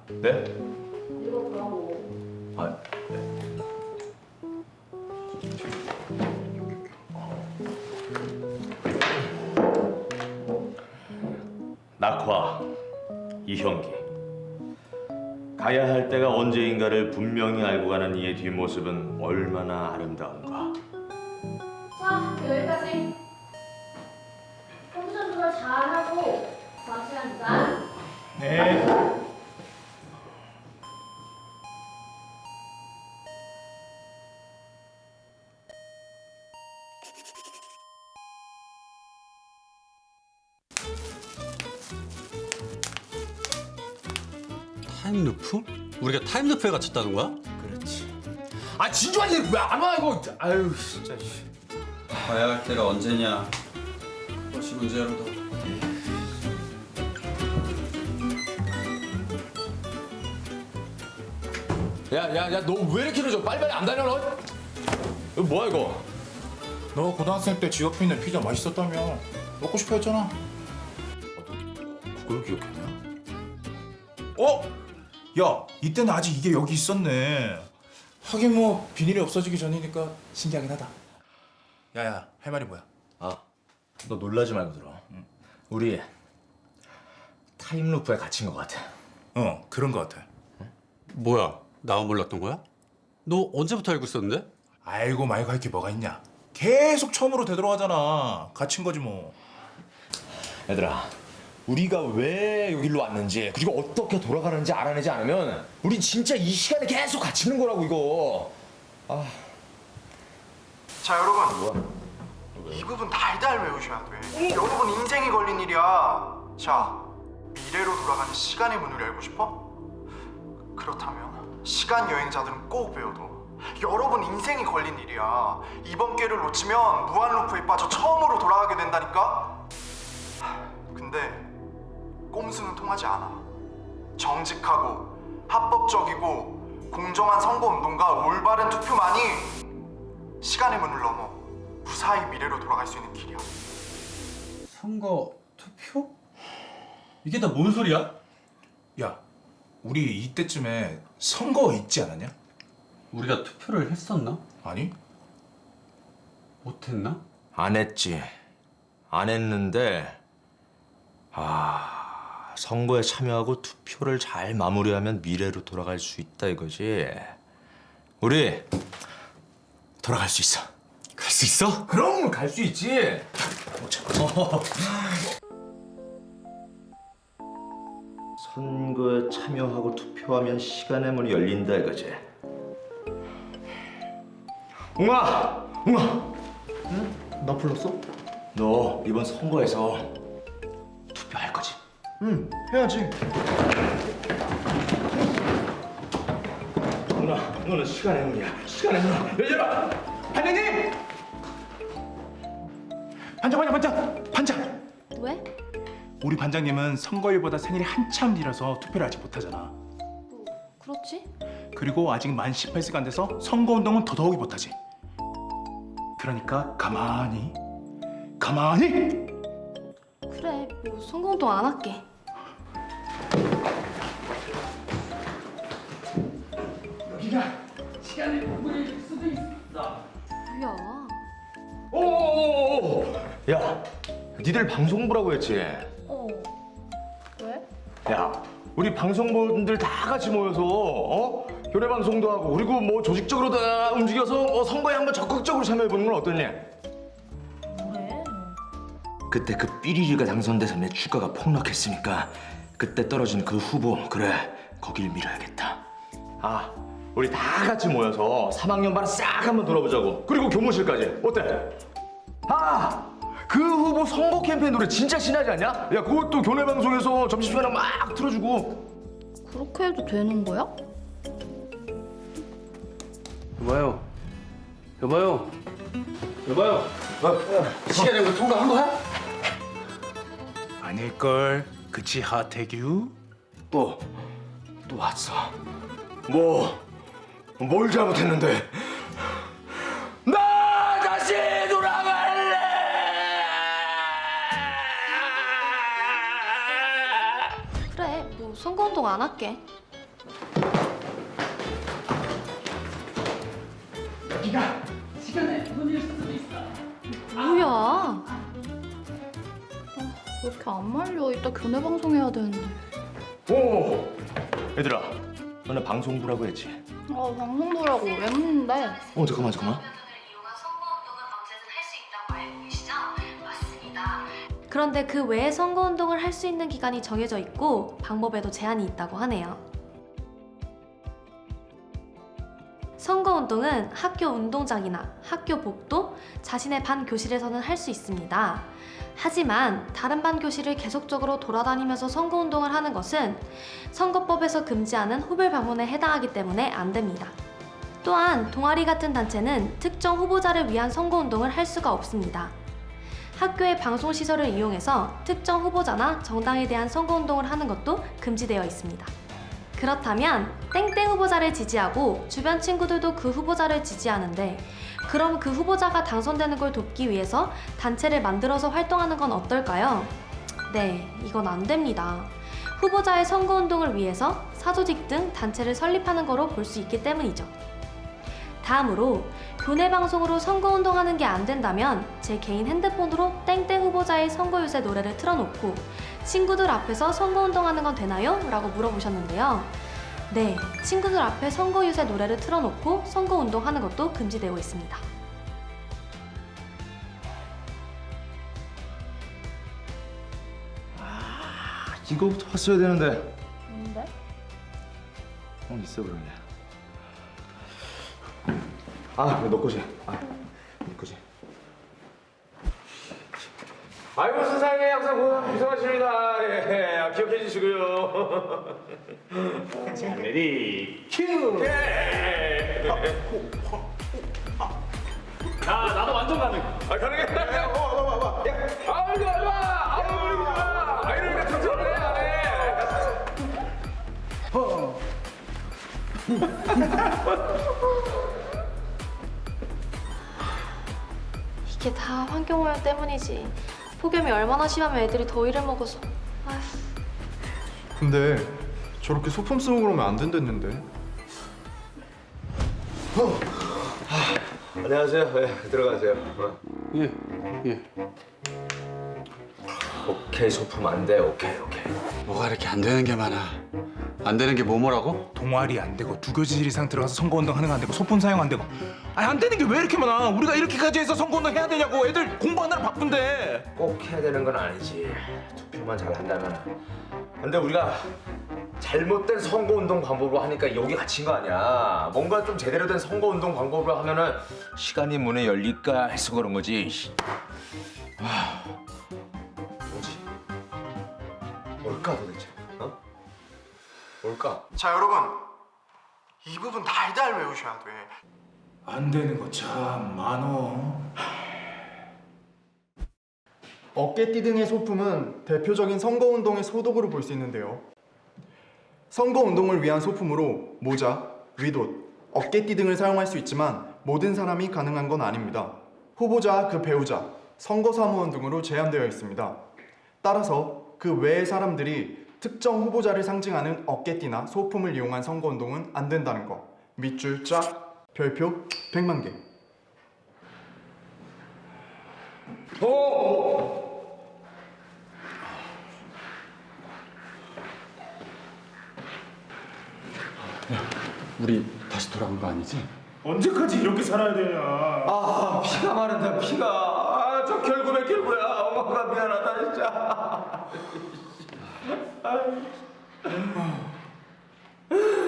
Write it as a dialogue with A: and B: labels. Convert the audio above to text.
A: 네?
B: 읽어보라고.
A: 아, 네. 낙화 이형기. 가야 할 때가 언제인가를 분명히 알고 가는 이의 뒷모습은 얼마나 아름다운가.
B: 자, 여기까지. 컨디션 조절 잘하고 다음 시간 주자.
C: 네.
D: 타임루프? 우리가 타임루프에 갇혔다는 거야?
C: 그렇지. 아 진주한 일 왜 안 와 이거? 아유 진짜.
D: 가야 할 때가 언제냐? 그것이 문제로다.
C: 야야야 너 왜 이렇게 늦어? 빨리빨리 안 다녀 너? 이거 뭐야 이거?
E: 너 고등학생 때 집 옆에 있는 피자 맛있었다며 먹고 싶어 했잖아.
C: 그걸 기억했냐?
E: 어? 야, 이때는 아직 이게 여기 있었네. 하긴 뭐 비닐이 없어지기 전이니까 신기하긴 하다. 야야, 할 말이 뭐야?
A: 아, 너 놀라지 말고 들어. 우리 타임루프에 갇힌 것 같아.
E: 그런 거 같아.
D: 뭐야? 나만 몰랐던 거야? 너 언제부터 알고 있었는데?
E: 알고 말고 할 게 뭐가 있냐? 계속 처음으로 되돌아가잖아. 갇힌 거지 뭐.
A: 얘들아, 우리가 왜 여기로 왔는지 그리고 어떻게 돌아가는지 알아내지 않으면 우린 진짜 이 시간에 계속 갇히는 거라고 이거.
F: 자 여러분 이 부분 달달 외우셔야 돼. 여러분 인생이 걸린 일이야. 자 미래로 돌아가는 시간의 문을 열고 싶어? 그렇다면 시간 여행자들은 꼭 외워둬. 여러분 인생이 걸린 일이야. 이번 기회를 놓치면 무한 루프에 빠져 처음으로 돌아가게 된다니까. 근데 꼼수는 통하지 않아. 정직하고 합법적이고 공정한 선거운동과 올바른 투표만이 시간의 문을 넘어 무사히 미래로 돌아갈 수 있는 길이야.
D: 선거 투표? 이게 다 뭔 소리야?
E: 야, 우리 이때쯤에 선거 있지 않았냐?
D: 우리가 투표를 했었나?
E: 아니?
D: 못했나?
A: 안 했지. 안 했는데 선거에 참여하고 투표를 잘 마무리하면 미래로 돌아갈 수 있다 이거지. 우리 돌아갈 수 있어.
D: 갈 수 있어?
E: 그럼 갈 수 있지.
A: 선거에 참여하고 투표하면 시간의 문이 열린다 이거지. 웅아! 웅아! 응? 나 불렀어? 너 이번 선거에서 투표할 거지?
F: 응 해야지.
A: 웅아, 너는 시간의 문이야. 시간의 문 열려라!
E: 반장님! 반장!
B: 왜?
E: 우리 반장님은 선거일보다 생일이 한참 뒤라서 투표를 아직 못하잖아.
B: 그렇지?
E: 그리고 아직 만 18세가 안 돼서 선거운동은 더더욱이 못하지. 그러니까 가만히
B: 그래, 뭐 선거운동 안 할게.
E: 여기가 시간의 문일 수도 있어.
B: 뭐야?
A: 오오오오! 야, 니들 방송부라고 했지?
B: 왜?
A: 야, 우리 방송부분들 다 같이 모여서 교내 방송도 하고 그리고 뭐 조직적으로 다 움직여서 선거에 한번 적극적으로 참여해보는 건 어떠냐?
B: 뭐래?
A: 그때 그 삐리리가 당선돼서 내 주가가 폭락했으니까 그때 떨어진 그 후보 그래 거길 밀어야겠다. 우리 다 같이 모여서 3학년 반 싹 한번 돌아보자고. 그리고 교무실까지 어때? 그 후보 선거 캠페인 노래 진짜 신나지 않냐? 야 그것도 교내 방송에서 점심시간에 막 틀어주고.
B: 그렇게 해도 되는 거야?
D: 여봐요. 시간에 뭐 통과한 거야?
E: 아닐걸. 그치 하태규?
A: 또 왔어. 뭘 잘못했는데? 나 다시 돌아갈래!
B: 그래, 뭐 선거운동 안 할게. 뭐야? 왜 이렇게 안 말려? 이따 교내 방송해야 되는데.
A: 오! 얘들아, 너네 방송부라고 했지?
B: 아, 방송 보라고 왜 묻는데?
A: 잠깐만.
G: 이용한 선거운동은 언제든 할 수 있다고 알고 계시죠? 맞습니다. 그런데 그 외에 선거운동을 할 수 있는 기간이 정해져 있고 방법에도 제한이 있다고 하네요. 선거운동은 학교 운동장이나 학교 복도, 자신의 반 교실에서는 할 수 있습니다. 하지만 다른 반 교실을 계속적으로 돌아다니면서 선거운동을 하는 것은 선거법에서 금지하는 후별 방문에 해당하기 때문에 안 됩니다. 또한 동아리 같은 단체는 특정 후보자를 위한 선거운동을 할 수가 없습니다. 학교의 방송시설을 이용해서 특정 후보자나 정당에 대한 선거운동을 하는 것도 금지되어 있습니다. 그렇다면 땡땡 후보자를 지지하고 주변 친구들도 그 후보자를 지지하는데 그럼 그 후보자가 당선되는 걸 돕기 위해서 단체를 만들어서 활동하는 건 어떨까요? 네, 이건 안 됩니다. 후보자의 선거운동을 위해서 사조직 등 단체를 설립하는 거로 볼 수 있기 때문이죠. 다음으로 교내 방송으로 선거운동하는 게 안 된다면 제 개인 핸드폰으로 땡땡 후보자의 선거유세 노래를 틀어놓고 친구들 앞에서 선거운동하는 건 되나요? 라고 물어보셨는데요. 네, 친구들 앞에 선거유세 노래를 틀어놓고 선거운동하는 것도 금지되어 있습니다.
A: 이거부터 봤어야 되는데.
B: 뭔데?
A: 있어 그러네. 너 거지. 네 거지. 아이고 세상에 항상 고생하십니다. 예, 기억해 주시고요. 자, 레디 큐.
C: 나도 완전 가능.
A: 가능해. 봐봐. 아이고 좋아. 이러니까 튼튼해 안 해.
G: 이게 다 환경오염 때문이지. 폭염이 얼마나 심하면 애들이 더위를 먹어서. 아휴.
F: 근데 저렇게 소품 쓰고 그러면 안 된댔는데.
A: 안녕하세요. 들어가세요.
D: 예.
A: 오케이 소품 안 돼. 오케이.
D: 뭐가 이렇게 안 되는 게 많아. 안 되는 게 뭐라고?
E: 동아리 안 되고 두 교실 이상 들어가서 선거운동 하는 거 안 되고 소품 사용 안 되고. 안 되는 게 왜 이렇게 많아? 우리가 이렇게까지 해서 선거운동 해야 되냐고. 애들 공부하느라 바쁜데.
A: 꼭 해야 되는 건 아니지. 투표만 잘 한다면. 근데 우리가 잘못된 선거운동 방법으로 하니까 여기 갇힌 거 아니야. 뭔가 좀 제대로 된 선거운동 방법으로 하면은 시간이 문에 열릴까 해서 그런 거지. 뭐지? 뭘까 도대체? 뭘까?
F: 자 여러분, 이 부분 달달 외우셔야 돼.
E: 안 되는 거 참 많어.
H: 어깨띠 등의 소품은 대표적인 선거운동의 소독으로 볼 수 있는데요. 선거운동을 위한 소품으로 모자, 위옷, 어깨띠 등을 사용할 수 있지만 모든 사람이 가능한 건 아닙니다. 후보자, 그 배우자, 선거사무원 등으로 제한되어 있습니다. 따라서 그 외의 사람들이 특정 후보자를 상징하는 어깨띠나 소품을 이용한 선거운동은 안 된다는 거. 밑줄 쫙, 별표 100만 개.
D: 우리 다시 돌아온 거 아니지?
E: 언제까지 이렇게 살아야 되냐?
A: 피가 마른다 피가. 저 결국에 결국야. 엄마가 미안하다 진짜.